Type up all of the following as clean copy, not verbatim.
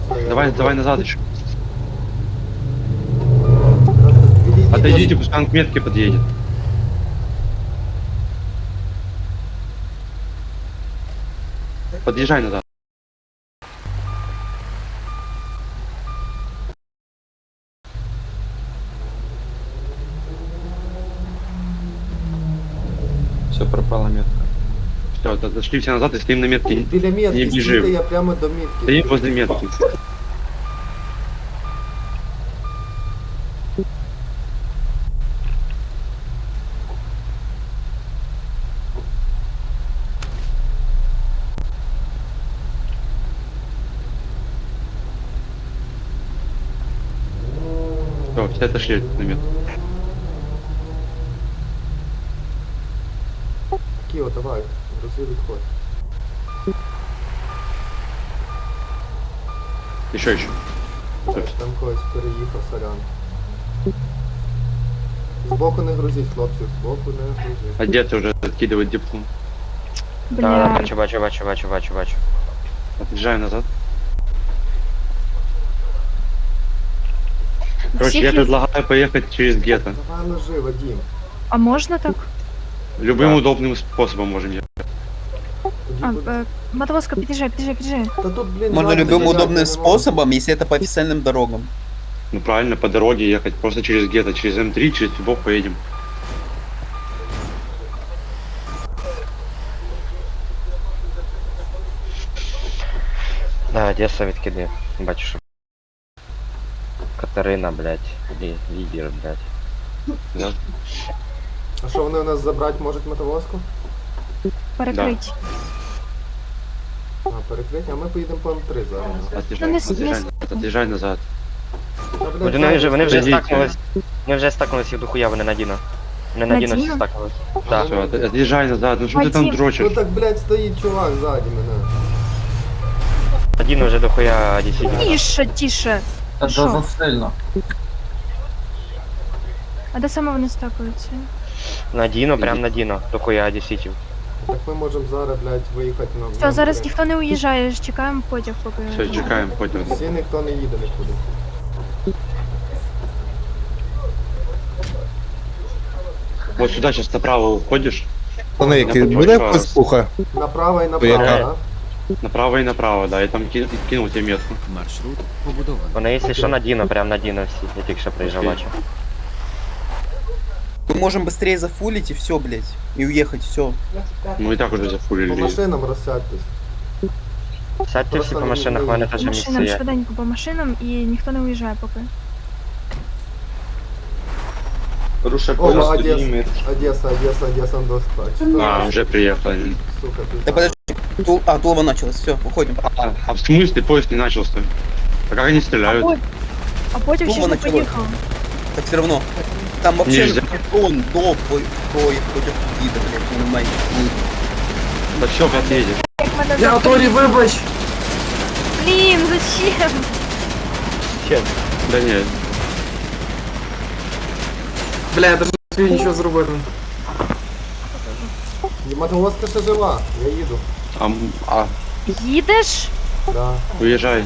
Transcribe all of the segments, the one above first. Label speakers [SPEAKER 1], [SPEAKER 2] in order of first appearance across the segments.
[SPEAKER 1] Давай назад еще.
[SPEAKER 2] Відійдіть,
[SPEAKER 1] Отойдите, пускай он к метке подъедет. Подъезжай назад.
[SPEAKER 3] Все, пропала метка.
[SPEAKER 1] Все, отошли все назад и стоим на метке.
[SPEAKER 2] Біля
[SPEAKER 1] Не
[SPEAKER 2] метки, стійте,
[SPEAKER 1] бежим.
[SPEAKER 2] я прямо до метки.
[SPEAKER 1] Стоим возле метки. Все, все отошли на метку.
[SPEAKER 2] Кіо, давай, грузи відходь.
[SPEAKER 1] Еще.
[SPEAKER 2] Там когось переїхав, сорян. Збоку не грузіть, хлопці, збоку не грузіть.
[SPEAKER 1] Одеться уже откидывать диплом.
[SPEAKER 4] Да,
[SPEAKER 5] Бля.
[SPEAKER 4] бачу.
[SPEAKER 1] Отъезжаем назад. Короче,
[SPEAKER 5] Всіх
[SPEAKER 1] я
[SPEAKER 5] є-
[SPEAKER 1] предлагаю поехать через гетто.
[SPEAKER 2] Давай ложи, Вадим.
[SPEAKER 5] А можна так?
[SPEAKER 1] Любым
[SPEAKER 4] Да.
[SPEAKER 1] удобным способом можем ехать.
[SPEAKER 5] Мотовозка, під'їжджай.
[SPEAKER 2] Та тут, блін,
[SPEAKER 6] Можно
[SPEAKER 2] жаль,
[SPEAKER 6] любым
[SPEAKER 2] стояти не
[SPEAKER 6] удобным
[SPEAKER 2] можна.
[SPEAKER 6] способом, если это по официальным дорогам.
[SPEAKER 1] Ну правильно, по дороге ехать, просто через гетто, через М3, через Тюбок поедем.
[SPEAKER 4] Да, Одеса відкиди. Бачу, що. Катерина, блядь. Лідер, блядь.
[SPEAKER 1] Да?
[SPEAKER 2] А що вони у нас забрати можуть мотовозку?
[SPEAKER 5] Перекрить.
[SPEAKER 2] А, перекрити, а ми поїдемо по М3 зараз.
[SPEAKER 1] Отъезжай,
[SPEAKER 5] Ну, не
[SPEAKER 1] отъезжай,
[SPEAKER 5] с-
[SPEAKER 1] отъезжай назад.
[SPEAKER 2] Та, блядь,
[SPEAKER 4] Вони вже
[SPEAKER 1] Подождіть.
[SPEAKER 4] стакнулись. Вони вже стакнулись і дохуя, вони надіно. Вони надіно всі
[SPEAKER 5] Надіно?
[SPEAKER 4] стакнулись. Да.
[SPEAKER 1] Все, отъезжай назад. Ну что ты там
[SPEAKER 5] Вадим.
[SPEAKER 2] Ну
[SPEAKER 1] дрочишь?
[SPEAKER 2] так, блядь, стоїть чувак ззаді мене.
[SPEAKER 4] Надіно вже дохуя дійсно.
[SPEAKER 5] Тише.
[SPEAKER 3] Это
[SPEAKER 5] Шо?
[SPEAKER 3] засильно.
[SPEAKER 5] А де саме вони стакуються?
[SPEAKER 4] Надіно, прям надіно. Дохуя десятів.
[SPEAKER 2] Так ми можемо зараз, блядь, виїхати на...
[SPEAKER 5] Все, зараз ніхто не уїжджає, чекаємо потяг поки.
[SPEAKER 1] Все, чекаем, пойдем.
[SPEAKER 2] Всі ніхто не їде нікуди.
[SPEAKER 1] Вот сюда сейчас направо уходишь,
[SPEAKER 7] Пане,
[SPEAKER 1] Я
[SPEAKER 7] буде
[SPEAKER 1] побачу вас.
[SPEAKER 7] пуха?
[SPEAKER 2] Направо і направо,
[SPEAKER 7] Яка?
[SPEAKER 2] да?
[SPEAKER 1] направо и направо, да, и там кинул тебе метку.
[SPEAKER 8] Маршрут побудований.
[SPEAKER 4] Вони, якщо що, надіно, прям надіно всі. Я тільки що приїжджав,
[SPEAKER 1] Окей.
[SPEAKER 4] бачу.
[SPEAKER 6] Мы можем быстрее зафулить и все, блядь. И уехать, все.
[SPEAKER 1] Ну и так уже
[SPEAKER 2] По
[SPEAKER 1] зафулили.
[SPEAKER 2] машинам розсядьтесь.
[SPEAKER 4] Сядьте всі по машинах, в мене теж
[SPEAKER 5] По
[SPEAKER 4] місце
[SPEAKER 5] машинам,
[SPEAKER 4] є.
[SPEAKER 5] швиденько по машинам і ніхто не уїжджає поки.
[SPEAKER 3] Руша
[SPEAKER 2] О,
[SPEAKER 3] колес
[SPEAKER 2] молодец.
[SPEAKER 3] поднимет.
[SPEAKER 2] Одесса, до спать.
[SPEAKER 1] А, уже приехали.
[SPEAKER 2] Сука, ты
[SPEAKER 6] Да подожди. Тулова началась, все, уходим.
[SPEAKER 1] А в смысле поезд не начался? А как они стреляют?
[SPEAKER 5] А потяг ще ж не
[SPEAKER 6] Думала, чого?
[SPEAKER 5] поїхав.
[SPEAKER 6] Так все равно. Там вообще
[SPEAKER 1] Нельзя.
[SPEAKER 6] он до проехать против гида, блядь, понимаете.
[SPEAKER 1] Да все, подъедешь.
[SPEAKER 5] Як мене
[SPEAKER 9] Я Торі, вибач!
[SPEAKER 5] Блін, зачем?
[SPEAKER 1] Да нет.
[SPEAKER 9] Бля, я даже не встиг нічого зробити.
[SPEAKER 2] Мотовозка ще жива, я їду.
[SPEAKER 1] А,
[SPEAKER 5] Їдеш?
[SPEAKER 2] Да.
[SPEAKER 1] уезжай.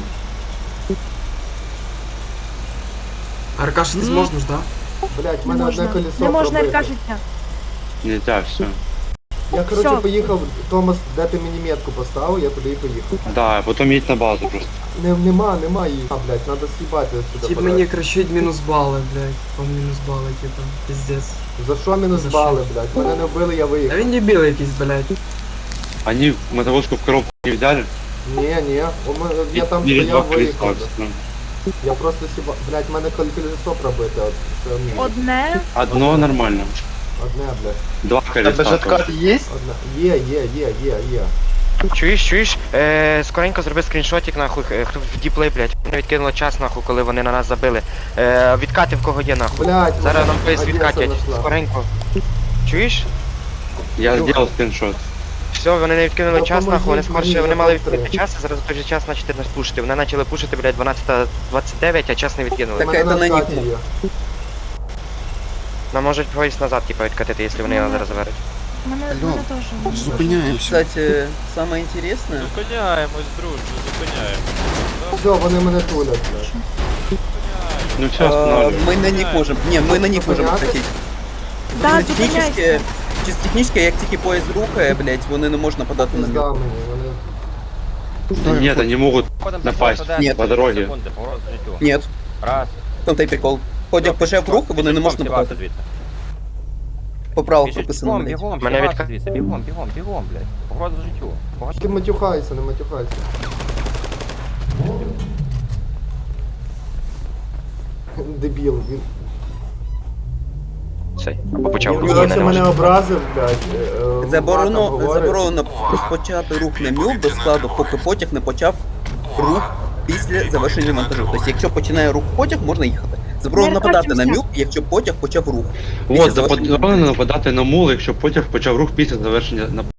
[SPEAKER 9] Аркаша, ти зможеш, да?
[SPEAKER 2] Блять, в
[SPEAKER 5] Не
[SPEAKER 2] мене
[SPEAKER 5] можна.
[SPEAKER 2] одне колесо
[SPEAKER 5] Не можна,
[SPEAKER 2] пробите.
[SPEAKER 5] кажеться.
[SPEAKER 1] Нельзя, все.
[SPEAKER 2] Я, короче,
[SPEAKER 5] Всё.
[SPEAKER 2] поїхав, Томас, де ти мені метку поставив, я туди і поїхав.
[SPEAKER 1] Да, а потом едь на базу просто.
[SPEAKER 2] Нема її. А, блять, надо съебати отсюда.
[SPEAKER 9] Тип мені кричить мінус бали, блядь. По мінус бали, типа, пиздец.
[SPEAKER 2] За що мінус
[SPEAKER 9] За
[SPEAKER 2] бали, блять? Мене не вбили, я
[SPEAKER 9] Та
[SPEAKER 2] виїхав.
[SPEAKER 9] він дебіл якийсь, блядь.
[SPEAKER 1] Они мотовозку в коробку не взяли.
[SPEAKER 2] Ні, я там
[SPEAKER 1] Или два
[SPEAKER 2] стояв,
[SPEAKER 1] колеса.
[SPEAKER 2] виїхав. Я просто сіба... Блять, в мене колесо пробите, от це мінус.
[SPEAKER 5] Одне.
[SPEAKER 1] Одно нормально.
[SPEAKER 2] Одне, блять.
[SPEAKER 1] Два колеса.
[SPEAKER 3] откат есть?
[SPEAKER 2] Одне. Є.
[SPEAKER 4] Чуєш? Скоренько зроби скріншотик, нахуй, хто в діплей, блядь. Вони відкинуло час, нахуй, коли вони на нас забили. Відкати в кого є, нахуй.
[SPEAKER 2] Блять,
[SPEAKER 4] Зараз нам поїзд
[SPEAKER 2] Одеса
[SPEAKER 4] відкатять.
[SPEAKER 2] нашла.
[SPEAKER 4] Скоренько. Чуєш?
[SPEAKER 1] Я сделал скриншот.
[SPEAKER 4] Все, вони не відкинули
[SPEAKER 2] Та
[SPEAKER 4] час, нахуй, вони
[SPEAKER 2] поможіть
[SPEAKER 4] скорше,
[SPEAKER 2] мені,
[SPEAKER 4] вони
[SPEAKER 2] я
[SPEAKER 4] мали
[SPEAKER 2] там
[SPEAKER 4] відкинути
[SPEAKER 2] три.
[SPEAKER 4] час, а зараз в той же час почати нас пушити. Вони почали пушити, блядь, 12:29, а час не відкинули.
[SPEAKER 6] Так,
[SPEAKER 2] У мене
[SPEAKER 6] это на
[SPEAKER 2] откаті
[SPEAKER 6] них.
[SPEAKER 2] є.
[SPEAKER 4] Нам можуть поїзд назад, типа, відкатити, якщо вони його зараз заберуть.
[SPEAKER 5] Мене теж.
[SPEAKER 7] Зупиняємося.
[SPEAKER 6] Кстати, самое интересное,
[SPEAKER 8] Зупиняємось, друже, зупиняємось.
[SPEAKER 2] Все, вони мене тулять, блядь.
[SPEAKER 1] Ну все, останавливай.
[SPEAKER 6] мы на них можем, не, мы на них можем
[SPEAKER 2] Зупиняти?
[SPEAKER 6] откатить.
[SPEAKER 5] Да,
[SPEAKER 6] Чисто технически, чисто технически, як тільки поїзд рухає, блядь, вони не можуть нападати на
[SPEAKER 2] Пизда
[SPEAKER 6] нього.
[SPEAKER 2] мені, вони...
[SPEAKER 1] Нет, они могут напасть
[SPEAKER 6] Нет.
[SPEAKER 1] по дороге.
[SPEAKER 6] Ні,
[SPEAKER 8] Раз.
[SPEAKER 6] в тому та й прикол. Потяг почав рух, вони не можуть нападати. По правилах прописано, блядь.
[SPEAKER 8] Бігом,
[SPEAKER 4] Мене
[SPEAKER 8] всі
[SPEAKER 4] відка-
[SPEAKER 8] звідси, бігом, блядь. Погроза життю.
[SPEAKER 2] Ти матюхайся, не матюхайся. Дебіл, він...
[SPEAKER 4] Цей. Або почав
[SPEAKER 2] Він
[SPEAKER 4] руки
[SPEAKER 2] коротше
[SPEAKER 4] на
[SPEAKER 2] мене
[SPEAKER 4] нього.
[SPEAKER 2] образив, блядь.
[SPEAKER 6] Заборонено розпочати рух на мюл до складу, поки потяг не почав рух після завершення монтажу. Тобто, якщо починає рух потяг, можна їхати. Заборонено нападати на мюл, якщо потяг почав рух.
[SPEAKER 1] Вот, заборонено нападати на мул, якщо потяг почав рух після завершення